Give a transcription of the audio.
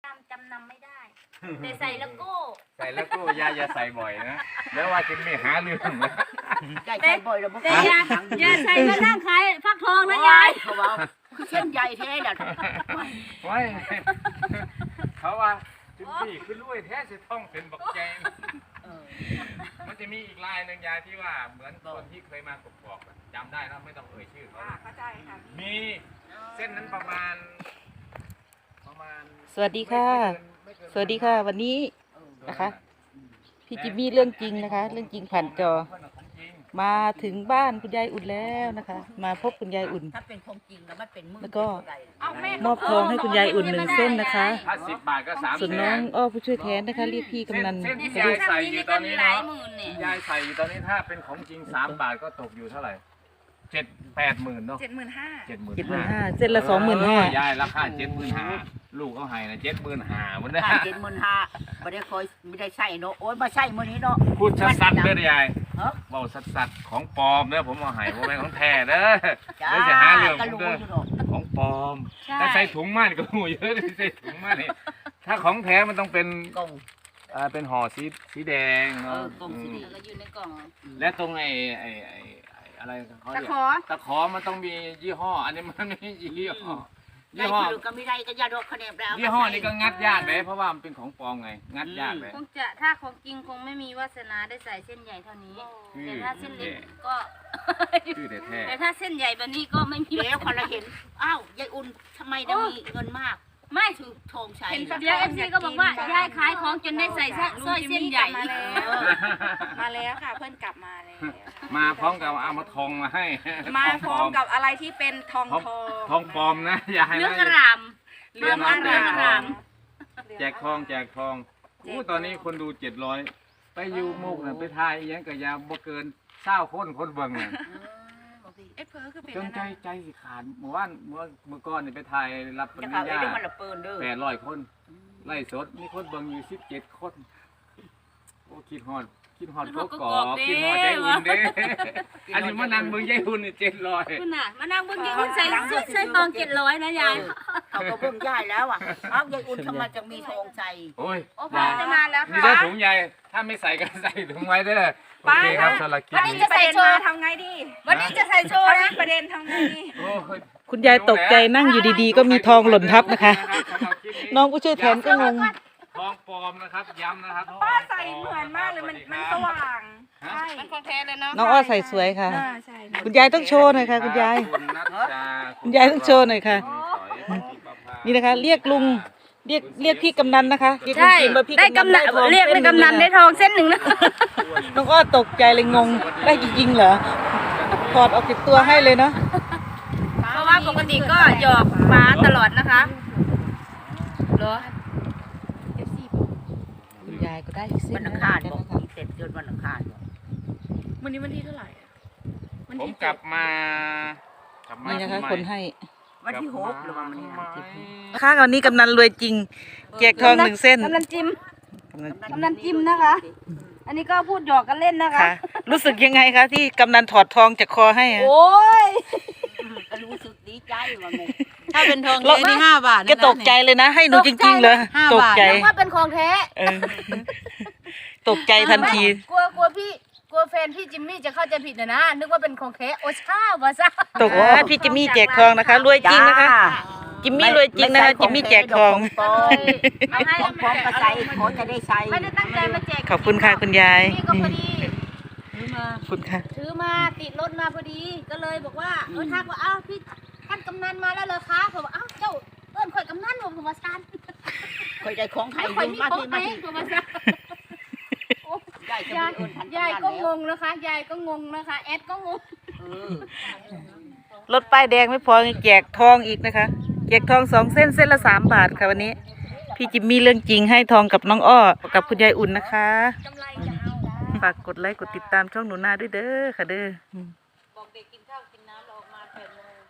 จำนำไม่ได้แต่ใส่แล้วก็ใส่แล้วก็ยายอย่าใส่บ่อยนะแล้วว่าจะไม่หาเรื่องนะใส่บ่อยแล้วบ่แต่อย่าใส่ก็นั่งขายฟักทองนะยายเขาว่าเส้นใหญ่แท้เนี่ยไว้เขาว่าจุดนี้คือรวยแท้สิท่องเป็นบอกแจงมันจะมีอีกลายหนึ่งยายที่ว่าเหมือนคนที่เคยมากบกจำได้แล้วไม่ต้องเอ่ยชื่อเขาเข้าใจค่ะมีเส้นนั้นประมาณสวัสดีค่ะสวัสดีค่ะวันนี้นะคะพี่จิมมี่เรื่องจริงนะคะเรื่องจริงผ่านจอมาถึงบ้านคุณยายอุ่นแล้วนะคะมาพบคุณยายอุ่นถ้าเป็นของจริงแล้วมันเป็นมือแล้วก็มอบทองให้คุณยายอุ่น1 เส้นนะคะถ้า10 บาทก็3 ส่วนน้องอ้อผู้ช่วยแทนนะคะเรียกพี่กำนันเส้นที่ยายใส่อยู่ตอนนี้เนาะยายใส่อยู่ตอนนี้ถ้าเป็นของจริง3 บาทก็ตกอยู่เท่าไหร่7-8 หมื่นเนาะ 75,000 75,000เส้นละ25,000 ยายราคา75,000ลูกเขาให้นะ75,000วันนี้ถ้า75,000ไม่ได้คอยไม่ได้ใส่เนาะโอ๊ยมาใส่มื้อนี้เนาะพูดสัดๆเด้อยายเบาสัดๆของปลอมเด้อผมเอาให้บ่แม่นของแท้เด้อเดี๋ยวจะหาเรื่องผมเด้อของปลอมถ้าใส่ถุงมานี่ก็หูเยอะใส่ถุงมานี่ถ้าของแท้มันต้องเป็นกล่องเป็นห่อสีแดงเนาะกล่องสีแดงแล้วอยู่ในกล่องและตรงไอ้อะไรเขาเรียกตะขอมันต้องมียี่ห้อ อันนี้มันไม่มียี่ห้อยี่ห้อก็ไม่ได้ก็ยาดอกคะแนนแล้วยี่ห้อนี้ก็งัดยากเลยเพราะว่ามันเป็นของปลอมไงงัดยากเลยคงจะถ้าของจริงคงไม่มีวาสนาได้ใส่เส้นใหญ่เท่านี้แต่ถ้าเส้นเล็กก็ชื่อแท้แต่ถ้าเส้นใหญ่แบบนี้ก็ไม่มีเดี๋ยวคนละเห็นอ้าวยายอุ่นทำไมได้มีเงินมากไม่ถือธงชัยเดี๋ยวFCก็บอกว่ายายขายของจนได้ใส่สร้อยเส้นใหญ่มาแล้วค่ะเพื่อนกลับมาแล้วมาพร้อมกับเอามาทองมาให้มาพร้อมกับอะไรที่เป็นทองทองปลอมนะอย่าให้เรื่องกระนะรามเรื่องอารามแจกทองอู้ตอนนี้คนดู700ไปอยู่มุกน่ะไปทายอีหยังก็ยาบ่เกิน20 คนเบิ่งน่ะเอ็ดเพอคือเป็นจนใจสิขาดเมื่อวานเมื่อก่อนนี่ไปทายรับปจะริญเอาญาได้มันละเปินเด้อ 800 คนไล่สดมีคนเบิ่งอยู่17 คนโอ้คิดฮอดก็กอกคิดฮอดยายอุ่นเด้อันนี้มานั่งเบิ่งยายอุ่นนี่700 คุณน่ะมานั่งเบิ่งกี่คนใส่ชุดใส่ตอง700นะยายเขาก็เบิ่งย่ายแล้วอ่ะเอ้ายายอุ่นทำไมจะมีธงชัยโอ้ยโอ้พอจะมาแล้วนี่ค่ะได้ถุงใหญ่ถ้าไม่ใส่ก็ใส่ถุงไว้เด้อโอเคครับสำหรับคลิปวันนี้นี้จะใส่โชว์ทำไงดีวันนี้จะใส่โชว์นะประเด็นทำไงดีโอ้ยคุณยายตกใจนั่งอยู่ดีๆก็มีทองหล่นทับนะคะ น้องผู้ช่วยแทนก็งงทองปลอมนะครับย้ำนะครับป้าใส่เหมือนมากเลยมันสว่างใช่มันของแท้เลยเนาะน้องอ้อใส่สวยค่ะใช่คุณยายต้องโชว์หน่อยค่ะคุณยาย คุณยายต้องโชว์หน่อยค่ะ นี่นะคะ เรียกลุงเรียกพี่กำนันนะคะเรียกลุงใช่จิมว่าพี่ได้กำนันทองเรียกได้กำนันได้ทองเส้นหนึ่งนะน้องอ้อตกใจเลยงงได้จริงๆเหรอถอดออกจากตัวให้เลยเนาะเพราะว่าปกติก็หยอกฟ้าตลอดนะคะเหรอคุณยายก็ได้อีกเส้วัน นอังคารบอกเสร็จจนวันอังคารวันนี้วันที่เท่าไหร่ผมกลับมานี่นะคะคนให้วันที่6หรือว่ามันนี่นะค่ะวันนี้กำนันรวยจริงแจกทอง1 เส้นกำนันจิ้มนะคะ อันนี้ก็พูดหยอกกันเล่นนะคะค่ะ รู้สึกยังไงคะที่กำนันถอดทองจากคอให้อะโอ้ยก็รู้สึกดีใจว่าไงถ้าเป็นทองแท้นี่5 บาทแกตกใจเลยนะ ให้หนูจริงๆเลยตกใจนึกว่าเป็นของแท้เออตกใจทันทีกลัวแฟนพี่จิมมี่จะเข้าใจผิดนะนึกว่าเป็นของแท้โอชาวาซะตกว่าพี่จิมมี่แจกทองนะคะรวยจริงนะคะจิมมี่รวยจริงนะคะจิมมี่แจกทองของพร้อมกระใสขอจะได้ใช้ไม่ได้ตั้งใจมาแจกขอบคุณค่ะคุณยายนี่ก็พอดีขอบคุณค่ะถือมาติดรถมาพอดีก็เลยบอกว่าทักว่าอ้าวพี่ท่านกำนันมาแล้วเหรอคะผมว่าอ้าวเจ้าเอิ้นข่อยกำนันผมว่าซันคอยได้ของไข่ข่อยยืมมีมาของที่ไหมมาที่ผมว่าซันยายจะยายมีเอิญทันยายก็งแล้วงนะคะยายก็งงนะคะแอดก็งงรถป้ายแดงไม่พอยังแจกทองอีกนะคะแจกทอง2 เส้นเส้นละ3 บาทค่ะวันนี้ พี่จิมมี่เรื่องจริงให้ทองกับน้องอ้อกับคุณยายอุ่นนะคะกำไรจะเอาฝากกดไลค์กดติดตามช่องหนูนาด้วยเด้อค่ะเด้อบอกเด็กกินข้าว